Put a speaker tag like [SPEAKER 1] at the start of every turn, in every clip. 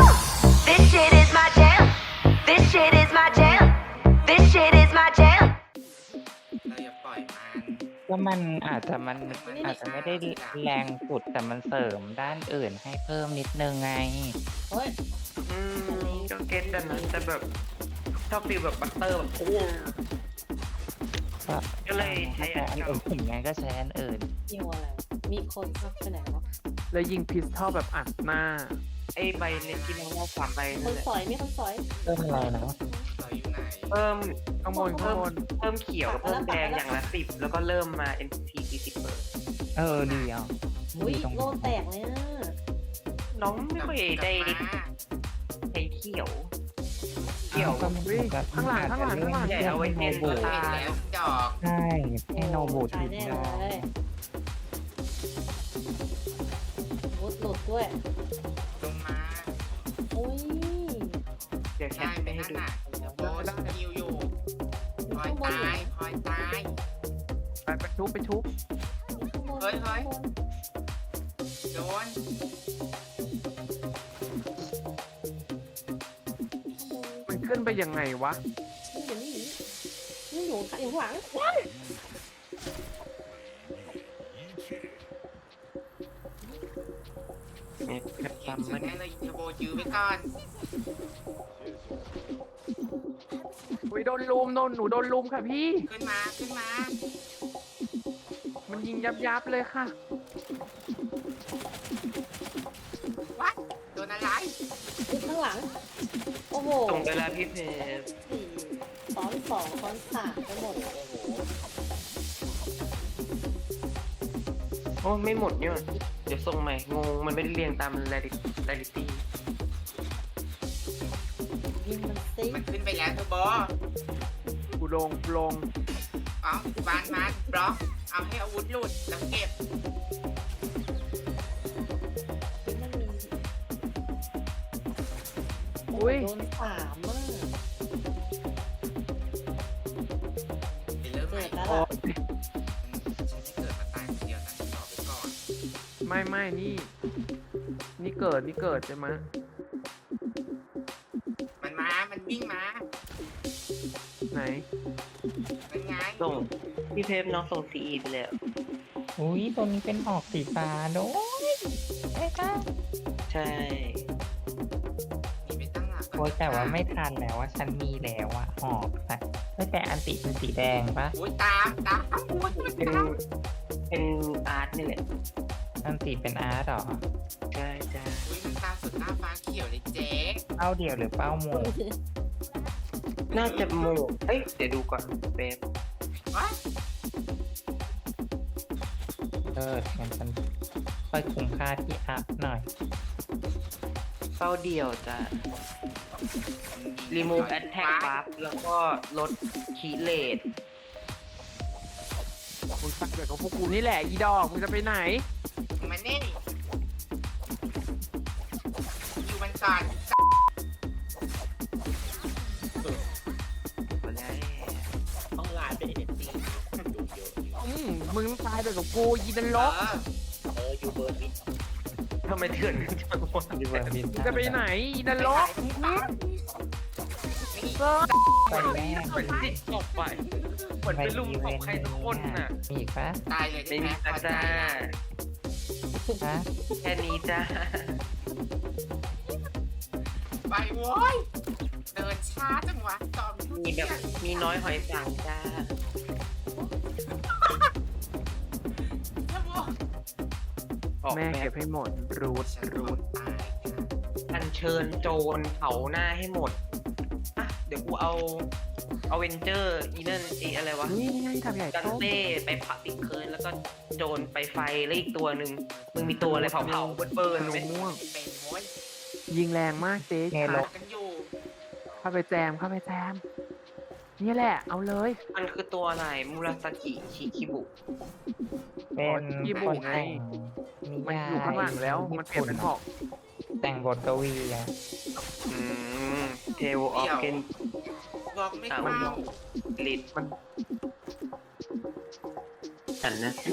[SPEAKER 1] This shit is my jam. This shit is my jam. This shit is my jam.
[SPEAKER 2] เราอย่าปล่อยมัน
[SPEAKER 3] ก็มันอาจจะไม่ได้แรงสุดแต่มันเสริมด้านอื่นให้เพิ่มนิดนึงไง
[SPEAKER 4] เฮ้ย
[SPEAKER 5] ก็เก็ตแต่นั้นแต่แบบชอบฟีลแบบบัตเตอร์แบบโอ้ก็เลยใช้
[SPEAKER 3] อันอื่นไงก็ใช้อันอื่น
[SPEAKER 4] ยิงอะไรมีคนพักไปไหนวะ
[SPEAKER 6] แล้วยิงพิสทอลแบบอัดหน้า
[SPEAKER 5] ไอ้ใบเล็กที่น้องว่า3 ใบ
[SPEAKER 4] ค
[SPEAKER 5] นั่
[SPEAKER 4] น
[SPEAKER 5] นแหละ
[SPEAKER 4] สอยมีคนสอย
[SPEAKER 3] เพิ่มอะไรนะ
[SPEAKER 2] เราอยู่ไหน
[SPEAKER 5] เพิ่ม
[SPEAKER 6] ข้างบนข้างบน
[SPEAKER 5] เพิ่มเขียวกับเพิ่มแดงอย่างละ10แล้วก็เริ่มมา NPT 40เปอร์
[SPEAKER 3] ดีอ่ะ
[SPEAKER 4] อุ้ยโลแตกเลยอ่ะ
[SPEAKER 5] น้องไม่ค่อยได้
[SPEAKER 2] กลับมา
[SPEAKER 5] ใช้เขียว
[SPEAKER 3] ก็มันแบบ
[SPEAKER 6] ข้างหลังข้างหลังข้างหลัง
[SPEAKER 5] ใหญ่เอาไว้เทน
[SPEAKER 3] บู
[SPEAKER 5] ตา
[SPEAKER 2] เห็นแล้วดอก
[SPEAKER 3] ใช่ให้โนบู
[SPEAKER 4] ตายแน่เลยวุดหลุดด้วย
[SPEAKER 2] ลงมา
[SPEAKER 4] อุ้ย
[SPEAKER 5] เดี๋ยวแค
[SPEAKER 2] ได้
[SPEAKER 5] ป
[SPEAKER 2] ไป
[SPEAKER 5] ไปให้
[SPEAKER 2] นั่น
[SPEAKER 5] ดู
[SPEAKER 2] น่ะโบสกิลอยู่พลอยตายพลอยตาย
[SPEAKER 6] ไปชุบไปชุบ
[SPEAKER 2] เฮ้ยโดน
[SPEAKER 6] มันขึ้นไปยังไงวะ
[SPEAKER 4] นี่อยู่ข้างหลัง
[SPEAKER 5] เนี่ยแคป
[SPEAKER 2] ยิง
[SPEAKER 5] จำ
[SPEAKER 2] สุ
[SPEAKER 5] มั
[SPEAKER 2] ด
[SPEAKER 5] น
[SPEAKER 2] แน่เลยเทโบยื้อไว้ก่อน
[SPEAKER 6] อุ้ยโดนลุมหนูโดนลุมค่ะพี่
[SPEAKER 2] ขึ้นมาขึ้นมา
[SPEAKER 6] มันยิงยับเลยค่ะ
[SPEAKER 2] วัดโดนอะไร
[SPEAKER 4] ข้างหลังโอ้โห
[SPEAKER 5] ส่งเวลาพี่เพจ
[SPEAKER 4] สี่ซ้อนสองซ้อนสามไปหมด
[SPEAKER 5] โอ้ไม่หมดเนี่ยเดี๋ยวส่งใหม่งงมันไม่ได้เรียงตามเรลิตี้
[SPEAKER 4] ยิงมันซิ
[SPEAKER 2] มันขึ้นไปแล้วเทโบ
[SPEAKER 6] กูลง
[SPEAKER 2] เอาบานมันบล็อกเอาให้อาวุธหลุดแล้วเก็บ
[SPEAKER 4] มันมี
[SPEAKER 6] อุ้ย
[SPEAKER 4] โดนสามอ่ะ
[SPEAKER 2] ไปเริ่มใหม่
[SPEAKER 4] เกิดแล้ว
[SPEAKER 6] โอ้
[SPEAKER 4] ล่ะ
[SPEAKER 2] ฉันไม่เกิดมาตายคนเดียวนะฉันบอกไปก่อน
[SPEAKER 6] ไม่นี่เกิดใช่ไหม
[SPEAKER 2] มันมา มันวิ่งมา
[SPEAKER 6] ไหน
[SPEAKER 2] มันไง
[SPEAKER 5] ส่งพี่เพจน้องส่งซีอีไปแล้ว
[SPEAKER 3] อุ้ยตัวนี้เป็นออกสีฟ้าโดยใช่ค่ะ
[SPEAKER 5] ใช่
[SPEAKER 2] มีไปตั้งหลัก
[SPEAKER 3] โอ้ยแต่ว่าไม่ทันแล้วว่าฉันมีแล้วอะออกแต่อันติเป็นสีแดงปะ
[SPEAKER 2] โอ้ยตามโอ้ยมัน
[SPEAKER 5] เป็น
[SPEAKER 2] ตาม
[SPEAKER 5] เป็นอาร์ตนี่แหละ
[SPEAKER 3] อันติเป็นอาร์ตหรอ
[SPEAKER 5] ใช่จ้า
[SPEAKER 2] อุ้ยมันตามสุดหน้าฟ้าเขียวเลยเจ๊
[SPEAKER 3] เป้าเดียวหรือเป้าหมู่
[SPEAKER 5] น่าจะโมเอ้ยเดี๋ยวดูก่อนเป๊ป
[SPEAKER 2] ว้าย
[SPEAKER 3] งั้นฉันค่อยคุ้มค่าที่อัพหน่อย
[SPEAKER 5] เป้าเดียวจะ remove attack buff แล้วก็ลดคีเลต
[SPEAKER 6] มึงสักเกิดของพวกกูนี่แหละอีดอกมึงจะไปไหน
[SPEAKER 2] มันนี่อยู่มันก่อน
[SPEAKER 5] มาแล้ว
[SPEAKER 2] ต้องลายไปเห็นจริง
[SPEAKER 6] มึงตายไปกับกูยีนันลก
[SPEAKER 2] อยู่เบอร์บิน
[SPEAKER 5] ทำไมเถื่อนกันจังวะ
[SPEAKER 3] ดีเวอร์บิน
[SPEAKER 6] มึงจะไปไหนยีนันลก
[SPEAKER 3] ไปแม่
[SPEAKER 5] เหมือนจิตตกไปเหมือนไปลุมตบใครสักคนน่ะ
[SPEAKER 3] มีอีกปะ
[SPEAKER 2] ตายเลยได้
[SPEAKER 5] ไม่
[SPEAKER 2] ไหม
[SPEAKER 5] มี
[SPEAKER 2] พอใจ
[SPEAKER 5] จ้า
[SPEAKER 2] ละ
[SPEAKER 3] ฮะ
[SPEAKER 5] แค่นี้จ้า
[SPEAKER 2] ไปโว้ยเดินช้าจังวะจอมทุ
[SPEAKER 5] มี
[SPEAKER 2] เรี
[SPEAKER 5] แบ
[SPEAKER 2] ย
[SPEAKER 5] บ
[SPEAKER 2] น
[SPEAKER 5] มีน้อยหอยสังจ้า
[SPEAKER 2] เทโบ
[SPEAKER 5] ออก
[SPEAKER 6] แม่
[SPEAKER 5] แบ
[SPEAKER 6] เก็
[SPEAKER 5] บบ
[SPEAKER 6] ให้หมดรูด
[SPEAKER 2] ฉัน
[SPEAKER 6] รูด
[SPEAKER 2] ตาย
[SPEAKER 5] อัญเชิญโจรเผาหน้าให้หมดอ่ะเดี๋ยวกูเอาเวนเจอร์อีนั่นอะไรวะ
[SPEAKER 6] นี่ไงทำใหญ่
[SPEAKER 5] กัน
[SPEAKER 6] โต
[SPEAKER 5] เต้ไปผัดติดเคิร์นแล้วก็โจรไปไฟแล้วอีกตัวหนึ่งมึงมีตัวอะไรเผาเบิร์น
[SPEAKER 6] หนู
[SPEAKER 5] ไหม
[SPEAKER 6] ม่วง
[SPEAKER 2] เป็นโว้ย
[SPEAKER 6] ยิงแรงมากเจ๊
[SPEAKER 3] ไงล
[SPEAKER 2] หาก กันอยู่
[SPEAKER 6] เข้าไปแจมนี่แหละ เอาเลย
[SPEAKER 5] มันคือตัวอะไรมูราสกิชิคิบุ
[SPEAKER 3] เป็น
[SPEAKER 6] ญี่
[SPEAKER 3] ค
[SPEAKER 6] ปุ่น
[SPEAKER 3] น
[SPEAKER 6] ไง
[SPEAKER 3] แต่งนิ
[SPEAKER 6] มัน
[SPEAKER 3] ยาย
[SPEAKER 6] อยู่ข้างหลังแล้ว มันเปลี่ยนเป็นหอก
[SPEAKER 3] แต่งบทกวีอะ
[SPEAKER 5] อืมเทวออฟเกน
[SPEAKER 2] บอกไม่
[SPEAKER 5] มัน
[SPEAKER 2] เข้า
[SPEAKER 5] ลิดมันฉันนะสิ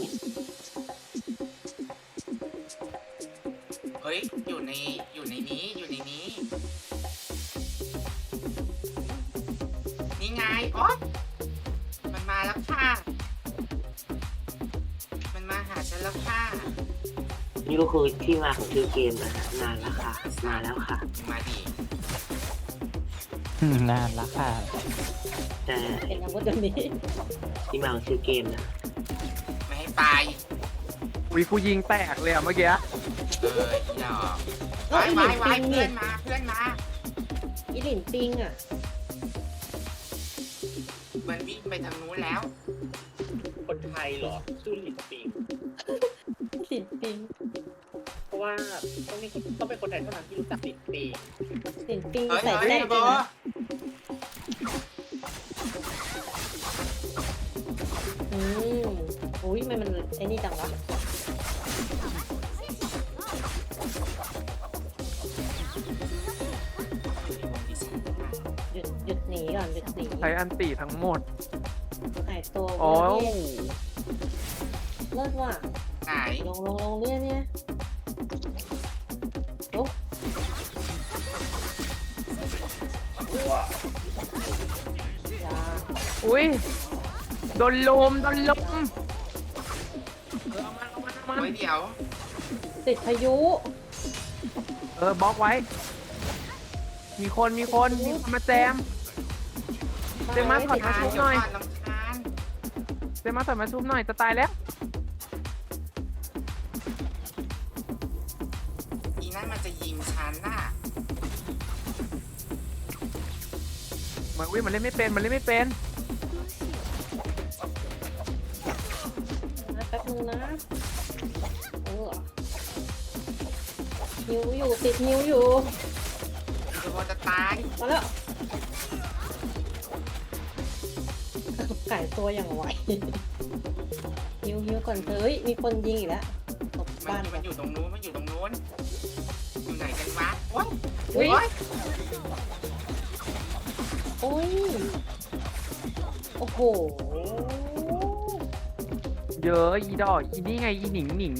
[SPEAKER 2] เฮ้ยอยู่ในนี้อยู่ในนี้ไงโอ๊ยมันมาแล้วค่ะ มันมาหาฉันแล้วค่ะ
[SPEAKER 7] นี่ก็คือที่มาของชื่อเกมนะฮะนานแล้วค่ะ มาแล้วค่ะ
[SPEAKER 2] มาดิ
[SPEAKER 3] นานละค่ะ
[SPEAKER 7] แต่
[SPEAKER 4] เป็นอาวุธตัวนี้
[SPEAKER 7] ที่มาของชื่อเกมนะ
[SPEAKER 2] ไม่ให้ไป
[SPEAKER 6] อุ้ยกูยิงแตกเลยอะเมื่อกี้
[SPEAKER 2] อีดอกไว้ไว้ไว้เพื่อนมาเพื่อนมา
[SPEAKER 4] อีหลินปิงอ่ะ
[SPEAKER 2] มันวิ่งไปทางนู้นแล้ว
[SPEAKER 8] คนไทยเหรอชื่อหลินปิง
[SPEAKER 4] หลินปิง
[SPEAKER 8] เพราะว่าต้องเป็นคนไทยเท่านั้นที่รู้จักหลินปิง
[SPEAKER 4] หลินปิง
[SPEAKER 2] เฮ้ย
[SPEAKER 4] ใส่
[SPEAKER 2] เฮ้ย
[SPEAKER 4] แซ่บ
[SPEAKER 2] โบ
[SPEAKER 4] ด้วยนะอืมอุ้ยมันไอ้นี่จังวะ หยุดหนีก่อนหยุดหนี
[SPEAKER 6] ใช้อันติทั้งหมด
[SPEAKER 4] หายตัว
[SPEAKER 6] โอ้
[SPEAKER 4] เลิศว่ะ
[SPEAKER 2] ไหน
[SPEAKER 4] ลงเนี่ยโอ้ยา
[SPEAKER 6] อุ้ยโดนลม
[SPEAKER 2] เฮ้ยเดี๋ยว
[SPEAKER 4] ติดพายุ
[SPEAKER 6] บล็อกไว้ มีคนมาแจม เต็มมาก
[SPEAKER 4] ติด
[SPEAKER 6] ขอ
[SPEAKER 4] พา
[SPEAKER 6] ชุ
[SPEAKER 4] ยุ
[SPEAKER 6] บหน่อย
[SPEAKER 2] ลำคาญ
[SPEAKER 6] เซมาถอยมาชุบหน่อยจะตายแล้ว
[SPEAKER 2] อีนั่นมันจะยิงฉันน่ะ
[SPEAKER 6] มันเล่นไม่เป็น
[SPEAKER 4] นะแป๊บนึงนะหิวอยู่ติดหิวอยู่
[SPEAKER 2] อีโบจะตาย
[SPEAKER 4] มาแล้วไก่ตัวอย่างไวหิวก่อนเฮ้ยมีคนยิงอีกแล้วตบ
[SPEAKER 2] มัน
[SPEAKER 4] บ้าน
[SPEAKER 2] มันอยู่ตรงนู้นอยู่ไหนกันวะโอ๊ย
[SPEAKER 4] อุ้ย
[SPEAKER 2] โอ๊ย
[SPEAKER 4] โอ้ยโอ้โห
[SPEAKER 6] เยอะอีดอกอีนี่ไงอีหนิง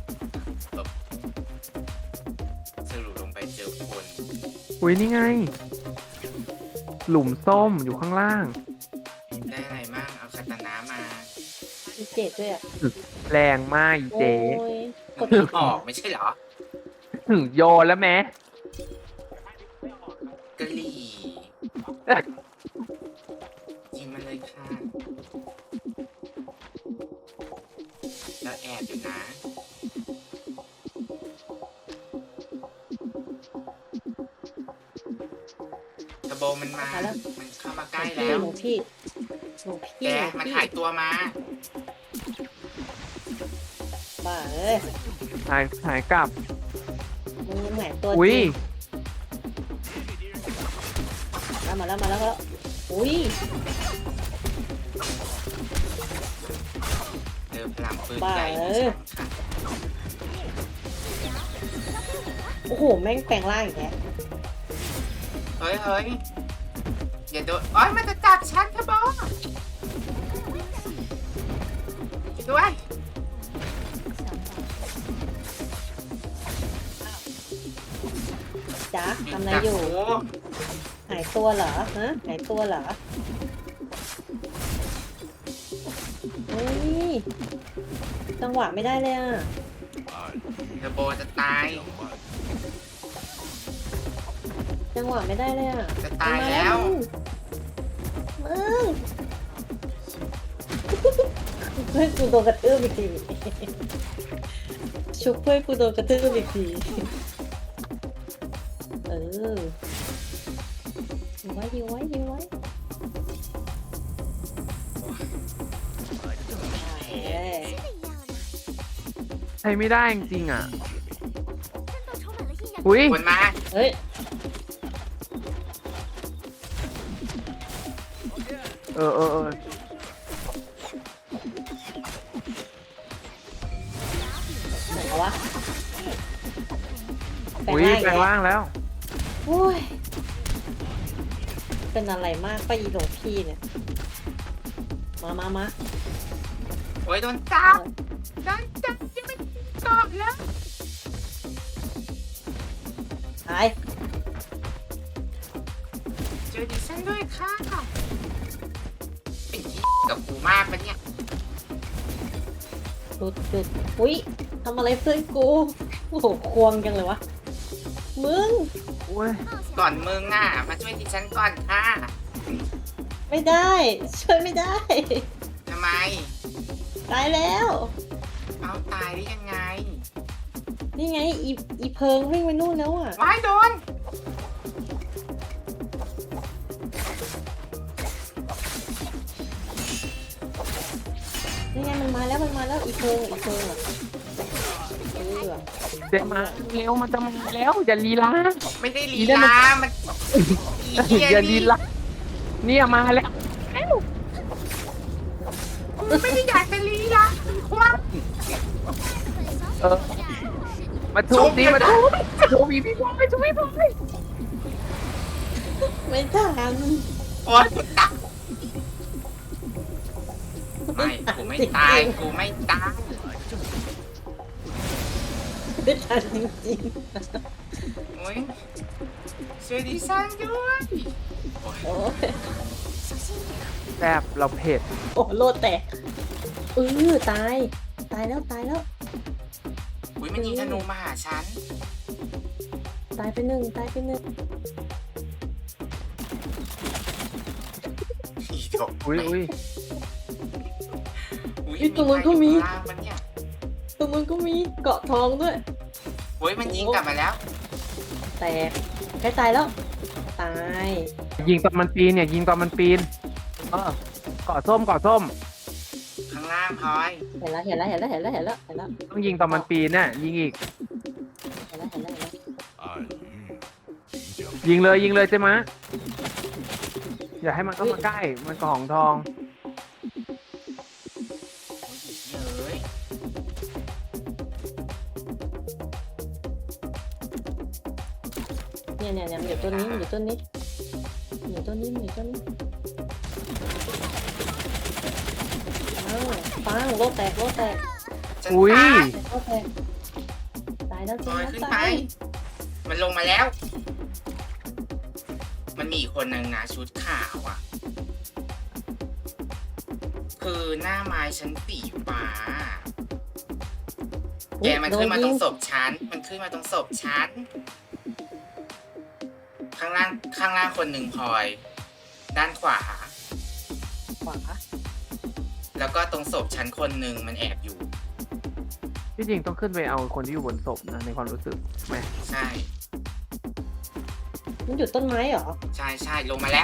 [SPEAKER 2] สรุปลงไปเจอคน
[SPEAKER 6] อุ้ยนี่ไง หลุมส้มอยู่ข้างล่าง
[SPEAKER 2] ได้อะไรมั่งเอาคาตานะมา
[SPEAKER 4] มีเจ็ดด้วยอ่ะ
[SPEAKER 6] แรงมากอีเจ๊
[SPEAKER 4] โอ้ยก
[SPEAKER 2] มั
[SPEAKER 4] ด
[SPEAKER 2] นไม่ออกไม่ใช่เหรอ
[SPEAKER 6] ถึงโยนแล้วแม้
[SPEAKER 2] กะหรี่ยิงมันเลยค่ะ แล้วแอบอยู่นะ ตะโบมันมา มันเข้ามาใกล้แล้ว
[SPEAKER 4] หลวงพี่
[SPEAKER 2] แกมันหายตัวมา
[SPEAKER 4] บ้าเอ้ย
[SPEAKER 6] หายกลับ
[SPEAKER 4] มึงเหมือนตัวจ
[SPEAKER 6] อุ้ย
[SPEAKER 4] ริงมาแล้วอุ้ย
[SPEAKER 2] เดินพลังปืนใหญ่ดิฉันค่ะ
[SPEAKER 4] โอ้โหแม่งแปลงร่างอีกแล้ว
[SPEAKER 2] เฮ้ยอย่าโดนโอ๊ยมันจะจับฉันทะโบด้วย
[SPEAKER 4] จ๊ะทำอะไรอยู่
[SPEAKER 2] โ
[SPEAKER 4] หายตัวเหรอฮะหายตัวเหรอเฮ้ยจังหวะไม่ได้เลยอ่ะ
[SPEAKER 2] ทะโบจะตาย
[SPEAKER 4] จังหวะไม่ได้เลยอ่ะ
[SPEAKER 2] จะตายแล้ว
[SPEAKER 4] มึงเพื่อนกูโดนกระทืบอีกทีชุบเพื่อนกูโดนกระทืบอีกทียิงไว้
[SPEAKER 6] ใช้ไม่ได้จริงๆอ่ะ อุ้ย
[SPEAKER 2] คนมา
[SPEAKER 4] เฮ้ย
[SPEAKER 6] เออ
[SPEAKER 4] ไหนวะแปลง
[SPEAKER 6] อุ้ย
[SPEAKER 4] ร่าง
[SPEAKER 6] แปลงร่างแล้ว
[SPEAKER 4] โอ้ยเป็นอะไรมากป้าอีหลวงพี่เนี่ย มา
[SPEAKER 2] โอ้ยโดนจับยังไม่ตอบแล้ว
[SPEAKER 4] หาย
[SPEAKER 2] เจอดิฉันด้วยค่ะกับกูมากปะเนี่ย
[SPEAKER 4] หยุดอุ้ยทำอะไรเพื่อนกูโอ้โหควงจังเลยวะมึง
[SPEAKER 6] โอ้ย
[SPEAKER 2] ก่อนมึงอ่ะมาช่วยดิฉันก่อนค่ะ
[SPEAKER 4] ไม่ได้ช่วยไม่ได้
[SPEAKER 2] ทำไม
[SPEAKER 4] ตายแล้ว
[SPEAKER 2] เอาตายได้ยังไง
[SPEAKER 4] นี่ไงอีเพิงวิ่งไปนู่นแล้วอ่ะ
[SPEAKER 2] ว้ายโดน
[SPEAKER 4] นี่ไงมันมาแล้วอีเพิงอ่ะเออ
[SPEAKER 6] เดี๋ยวมาเร็วมันจะมาแล้วอย่าลีลา
[SPEAKER 2] ไม่ได้ลีลามันอีเหี้ย
[SPEAKER 6] อย่าลี
[SPEAKER 2] นี่
[SPEAKER 6] ลาเนี่ยมาแล้ว
[SPEAKER 2] ไม่ได้อยากจะลีลาว่า
[SPEAKER 6] เออมาทุบดิมาทุบอีพี่บอยทุบพี่บอย
[SPEAKER 4] ไม่ทัน
[SPEAKER 2] โอ๊ยตักไม่กูไม่ตายกูไม่ตาย
[SPEAKER 4] ไม่ทันจริง
[SPEAKER 2] โอ๊ยช่วยดิฉันด้วย
[SPEAKER 4] ๆโอ้ย
[SPEAKER 6] แซ่บเราเผ็ด
[SPEAKER 4] โอ้โลดแตกตายแล้ว
[SPEAKER 2] อุ้ยมันยิงธนูมาหาฉัน
[SPEAKER 4] ตายไปหนึ่ง
[SPEAKER 2] อีดอก
[SPEAKER 6] อุ้ย
[SPEAKER 4] ตรงนู้นก็มี
[SPEAKER 2] ล่างมันเนี่ย
[SPEAKER 4] ตรงนู้นก็มีเกาะทองด้วย
[SPEAKER 2] โอ้ยมันยิงกลับมาแล้ว
[SPEAKER 4] แตกใกล้ตายแล้ว ตาย
[SPEAKER 6] ยิงตอนมันปีนเนี่ยยิงตอนมันปีนเกาะส้ม
[SPEAKER 2] ข้างล่างพลอย
[SPEAKER 4] เห็นแล้ว
[SPEAKER 6] ต้องยิงตอนมันปีนน่ะยิงอีก ยิงเลยใช่ไหมะอย่าให้มันเข้ามาใกล้มันกระหองทอง
[SPEAKER 2] โอ้ยเฮ้ย
[SPEAKER 4] เนี่ยมันอยู่ต้นนี้ปังโลดแตก
[SPEAKER 2] ฉัน
[SPEAKER 6] อุ้ย
[SPEAKER 2] ตาย
[SPEAKER 4] โลดแตกตายแล้ว
[SPEAKER 2] พลอยขึ้น
[SPEAKER 4] ตา
[SPEAKER 2] ไป
[SPEAKER 4] ย
[SPEAKER 2] มันลงมาแล้ว มันมีอีกคนหนึ่งนะชุดขาวอ่ะ คือหน้าไม้ชั้นสีฟ้า แกมันขึ้นมาตรงศพฉัน มันขึ้นมาตรงศพฉัน ข้างล่างคนหนึ่งพลอย ด้านขวา
[SPEAKER 4] ขวา
[SPEAKER 2] แล้วก็ตรงศพฉันคนหนึ่งมันแอบอยู่
[SPEAKER 6] ที่จริงต้องขึ้นไปเอาคนที่อยู่บนศพนะในความรู้สึกไหม
[SPEAKER 2] ใช่
[SPEAKER 4] มันอยู่ต้นไม้เหรอ
[SPEAKER 2] ใช่ลงมาแล้ว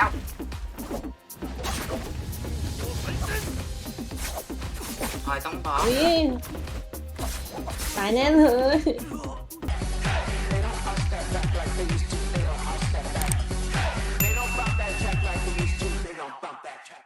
[SPEAKER 2] พลอยต้องบล็อก
[SPEAKER 4] อุ้ยตายแน่เลย